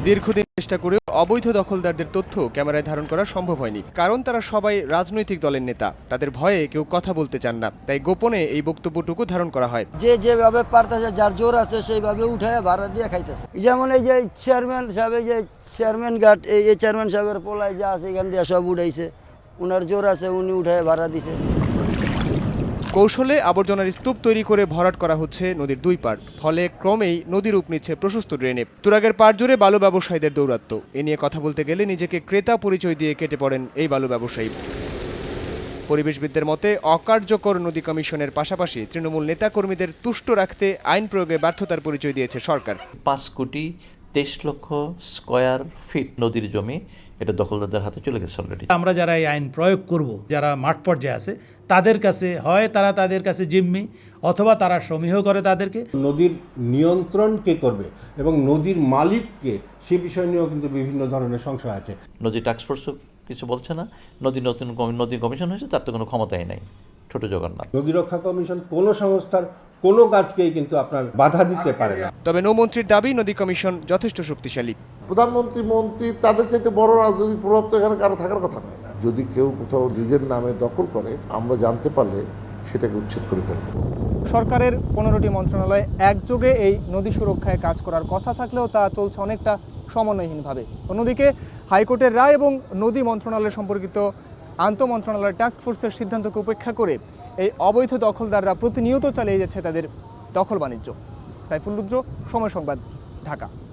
দীর্ঘদিন চেষ্টা করেও অবৈধ দখলদারদের তথ্য ক্যামেরায় ধারণ করা সম্ভব হয়নি, কারণ তারা সবাই রাজনৈতিক দলের নেতা। তাদের ভয়ে কেউ কথা বলতে চান না, তাই গোপনে এই বক্তব্যটুকু ধারণ করা হয়। যেভাবে পারতেছে, যার জোর আছে সেইভাবে উঠায় ভাড়া দিয়ে খাইতেছে। যেমন এই যে চেয়ারম্যান সাহেব, এই যে চেয়ারম্যান ঘাট, এই চেয়ারম্যান সাহেবের পোলায় যা আছে এখান দিয়ে সব উঠাইছে, উনার জোর আছে, উনি উঠায় ভাড়া দিছে। কৌশলে আবর্জনার স্তূপ তৈরি করে ভরাট করা হচ্ছে নদীর দুই পাড়, ফলে ক্রমেই নদী রূপ নিচ্ছে প্রশস্ত ড্রেনে। তুরাগের পাড় জুড়ে বালু ব্যবসায়ীদের দৌরাত্ম্য। এ নিয়ে কথা বলতে গেলে নিজেকে ক্রেতা পরিচয় দিয়ে কেটে পড়েন এই বালু ব্যবসায়ী। পরিবেশবিদদের মতে, অকার্যকর নদী কমিশনের পাশাপাশি তৃণমূল নেতাকর্মীদের তুষ্ট রাখতে আইন প্রয়োগে ব্যর্থতার পরিচয় দিয়েছে সরকার। 5,23,00,000 স্কয়ার ফিট নদীর জমি এটা দখলদারদের হাতে চলে গেছে অলরেডি। আমরা যারা এই আইন প্রয়োগ করব, যারা মাঠ পর্যায়ে আছে তাদের কাছে হয় তাদের কাছে জিম্মি, অথবা তারা সমীহ করে তাদেরকে। নদীর নিয়ন্ত্রণ কে করবে এবং নদীর মালিককে, সে বিষয় নিয়েও কিন্তু বিভিন্ন ধরনের সংশয় আছে। নদী টাস্কফোর্সও কিছু বলছে না, নদী কমিশন হয়েছে, তার তো কোনো ক্ষমতাই নাই। ছোট জগন্নাথ, নদী রক্ষা কমিশন কোনো সংস্থার কোনো কাজকেই কিন্তু আপনার বাধা দিতে পারে না। তবে নৌমন্ত্রীর দাবি, নদী কমিশন যথেষ্ট শক্তিশালী। প্রধানমন্ত্রী, মন্ত্রী, তাদের চাইতে বড় রাজনৈতিক প্রভাব তো এখানে কারো থাকার কথা নয়। যদি কেউ কোথাও নিজের নামে দখল করে, আমরা জানতে পারলে সেটাকে উচ্ছেদ করে ফেলব। সরকারের 15টি মন্ত্রণালয় একযোগে এই নদী সুরক্ষায় কাজ করার কথা থাকলেও তা চলছে অনেকটা সমন্বয়হীনভাবে। অন্যদিকে হাইকোর্টের রায় এবং নদী মন্ত্রণালয় সম্পর্কিত আন্তঃমন্ত্রণালয় টাস্কফোর্সের সিদ্ধান্তকে উপেক্ষা করে এই অবৈধ দখলদাররা প্রতিনিয়ত চালিয়ে যাচ্ছে তাদের দখল বাণিজ্য। সাইফুল রুদ্র, সময় সংবাদ, ঢাকা।